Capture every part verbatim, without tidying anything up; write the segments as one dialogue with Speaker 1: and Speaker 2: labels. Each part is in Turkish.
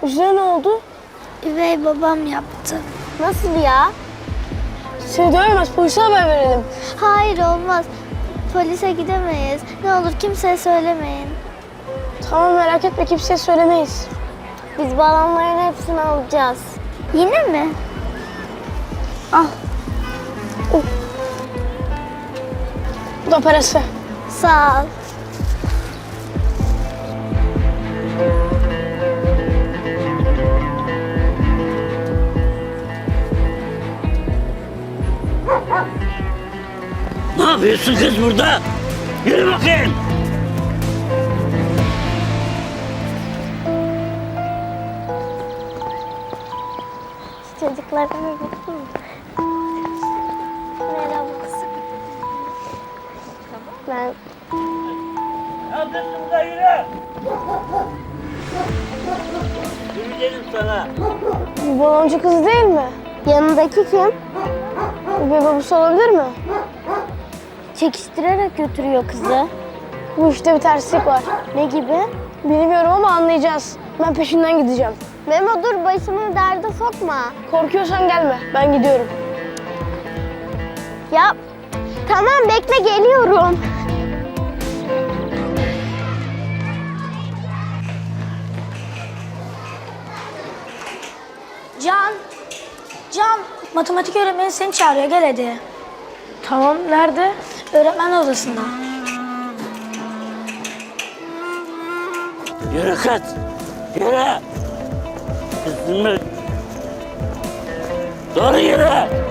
Speaker 1: Üzerine ne oldu?
Speaker 2: Üvey babam yaptı.
Speaker 3: Nasıl ya?
Speaker 1: Seni dövemez, polise haber verelim.
Speaker 2: Hayır olmaz. Polise gidemeyiz. Ne olur kimseye söylemeyin.
Speaker 1: Tamam merak etme, kimseye söylemeyiz.
Speaker 3: Biz balonların hepsini alacağız.
Speaker 2: Yine mi?
Speaker 1: Al. Oh. Bu da parası.
Speaker 2: Sağ ol.
Speaker 4: Ne yapıyorsun kız burada? Yürü bakayım.
Speaker 3: Çocuklara bir bakayım. Merhaba. Ben
Speaker 4: Ne yapıyorsun burada yürü. Yürü dedim sana.
Speaker 1: Bu baloncu kız değil mi?
Speaker 3: yanındaki kim?
Speaker 1: Üvey babası olabilir mi?
Speaker 3: Çekiştirerek götürüyor kızı.
Speaker 1: Bu işte bir terslik var.
Speaker 3: Ne gibi?
Speaker 1: Bilmiyorum ama anlayacağız. Ben peşinden gideceğim.
Speaker 3: Memo dur, başımı derde sokma.
Speaker 1: Korkuyorsan gelme, ben gidiyorum.
Speaker 3: Ya tamam, bekle, geliyorum.
Speaker 5: Can, Can, matematik öğretmeni seni çağırıyor, gel hadi.
Speaker 1: Tamam, nerede?
Speaker 5: Öğretmen odasında.
Speaker 4: Yürü kız. Yürü. Kızım. Doğru yürü.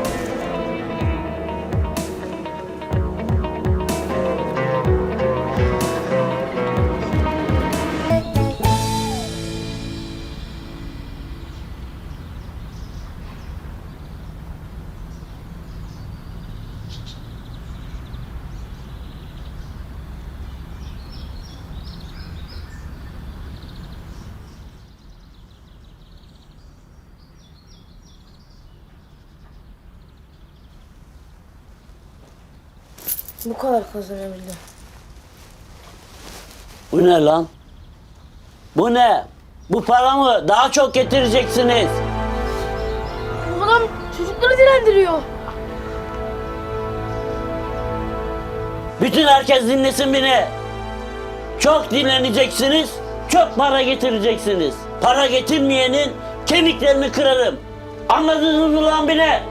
Speaker 1: Bu kadar kazanabildim.
Speaker 4: Bu ne lan? Bu ne? Bu paramı daha çok getireceksiniz.
Speaker 1: Bu adam çocukları dilendiriyor.
Speaker 4: Bütün herkes dinlesin beni. Çok dinleneceksiniz, çok para getireceksiniz. Para getirmeyenin kemiklerini kırarım. Anladınız mı lan beni?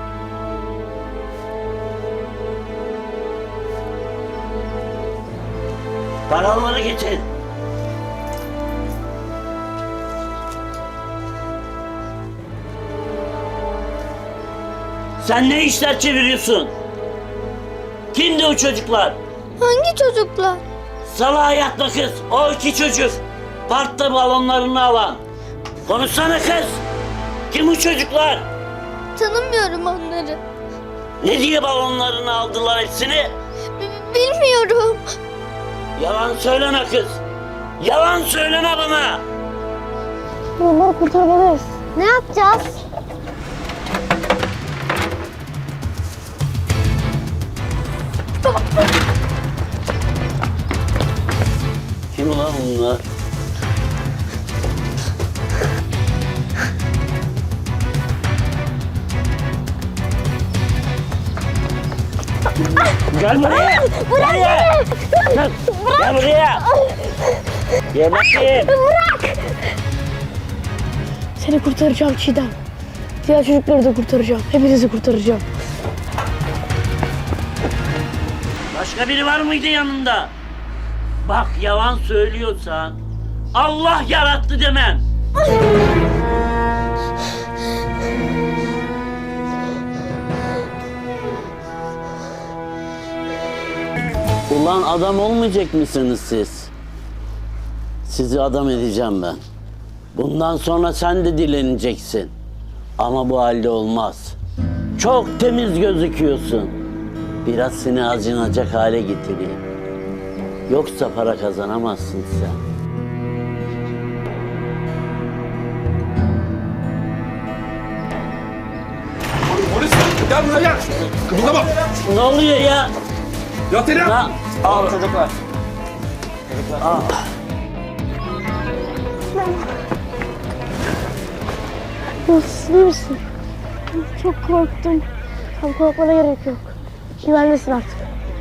Speaker 4: Paraları getir. Sen ne işler çeviriyorsun? Kimdi o çocuklar?
Speaker 2: Hangi çocuklar?
Speaker 4: Salağa yatma kız. O iki çocuk. Parkta balonlarını alan. Konuşsana kız. Kim bu çocuklar?
Speaker 2: Tanımıyorum onları.
Speaker 4: Ne diye balonlarını aldılar hepsini?
Speaker 2: B- bilmiyorum.
Speaker 4: Yalan söyleme kız. Yalan söyleme bana.
Speaker 1: Onları kurtarmalıyız.
Speaker 3: Ne yapacağız?
Speaker 4: Kim ulan bunlar? Gel buraya.
Speaker 3: Bırak
Speaker 4: Buraya.
Speaker 3: beni!
Speaker 4: Gel, gel buraya. Gel bakayım.
Speaker 3: Bırak!
Speaker 1: Seni kurtaracağım Çiğdem. Diğer çocukları da kurtaracağım. Hepinizi kurtaracağım.
Speaker 4: Başka biri var mıydı yanında? Bak yalan söylüyorsan Allah yarattı demem. Ulan adam olmayacak mısınız siz? Sizi adam edeceğim ben. Bundan sonra sen de dileneceksin. Ama bu halde olmaz. Çok temiz gözüküyorsun. Biraz seni acınacak hale getireyim. Yoksa para kazanamazsın sen.
Speaker 6: Polis! Gel buraya gel! Kımıldama!
Speaker 4: Ne oluyor ya?
Speaker 6: Yat yere!
Speaker 4: Na
Speaker 7: Al çocuklar.
Speaker 1: Nasılsın, iyi misin? Çok korktum. Tam korkmana gerek yok. Güvendesin artık.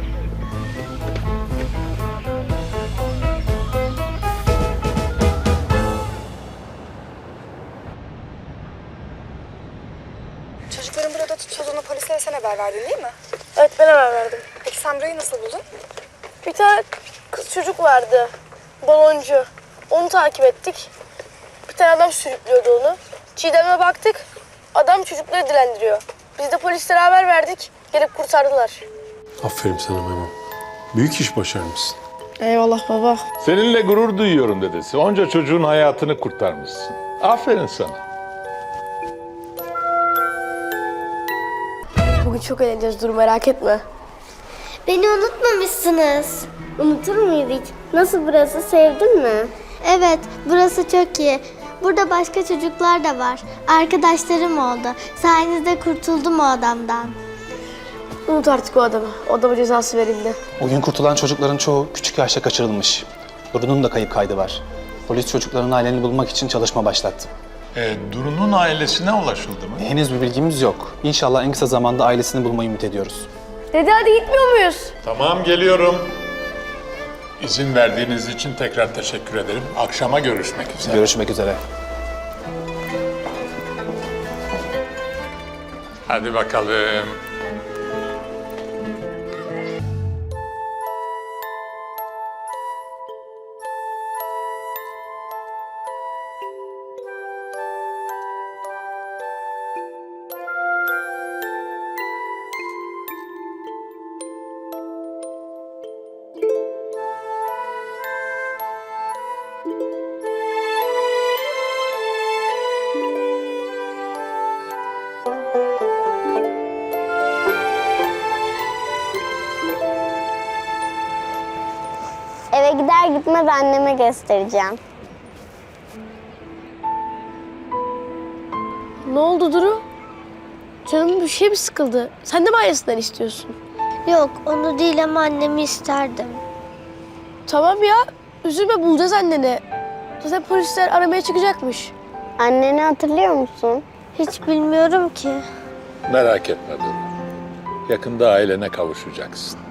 Speaker 7: Çocukların burada tutulduğunu polislere sen haber verdin değil mi?
Speaker 1: Evet, ben haber verdim.
Speaker 7: Peki sen burayı nasıl buldun?
Speaker 1: Bir tane kız çocuk vardı. Baloncu. Onu takip ettik. Bir tane adam sürüklüyordu onu. Çiğdem'e baktık. Adam çocukları dilendiriyor. Biz de polislere haber verdik. Gelip kurtardılar.
Speaker 8: Aferin sana Memo. Büyük iş başarmışsın.
Speaker 1: Eyvallah baba.
Speaker 9: Seninle gurur duyuyorum dedesi. Onca çocuğun hayatını kurtarmışsın. Aferin sana.
Speaker 1: Bugün çok eğleneceğiz, dur merak etme.
Speaker 3: Beni unutmamışsınız. Unutur muyuz hiç? Nasıl burası? Sevdin mi?
Speaker 2: Evet, burası çok iyi. Burada başka çocuklar da var. Arkadaşlarım oldu. Sayenizde kurtuldum o adamdan.
Speaker 1: Unut artık o adamı. O adama cezası verildi.
Speaker 10: O gün kurtulan çocukların çoğu küçük yaşta kaçırılmış. Duru'nun da kayıp kaydı var. Polis çocukların ailelerini bulmak için çalışma başlattı.
Speaker 9: E, Duru'nun ailesine ulaşıldı mı?
Speaker 10: Henüz bir bilgimiz yok. İnşallah en kısa zamanda ailesini bulmayı ümit ediyoruz.
Speaker 1: Dede hadi gitmiyor muyuz?
Speaker 9: Tamam, geliyorum. İzin verdiğiniz için tekrar teşekkür ederim. Akşama görüşmek üzere.
Speaker 10: Görüşmek üzere.
Speaker 9: Hadi bakalım.
Speaker 3: Eve gider gitmez anneme göstereceğim.
Speaker 1: Ne oldu Duru? Canım bir şey mi sıkıldı? Sen de mi ailesinden istiyorsun?
Speaker 2: Yok, onu değil ama annemi isterdim.
Speaker 1: Tamam ya, üzülme, bulacağız anneni. Zaten polisler aramaya çıkacakmış.
Speaker 3: Anneni hatırlıyor musun?
Speaker 2: Hiç bilmiyorum ki.
Speaker 9: Merak etme Duru. Yakında ailene kavuşacaksın.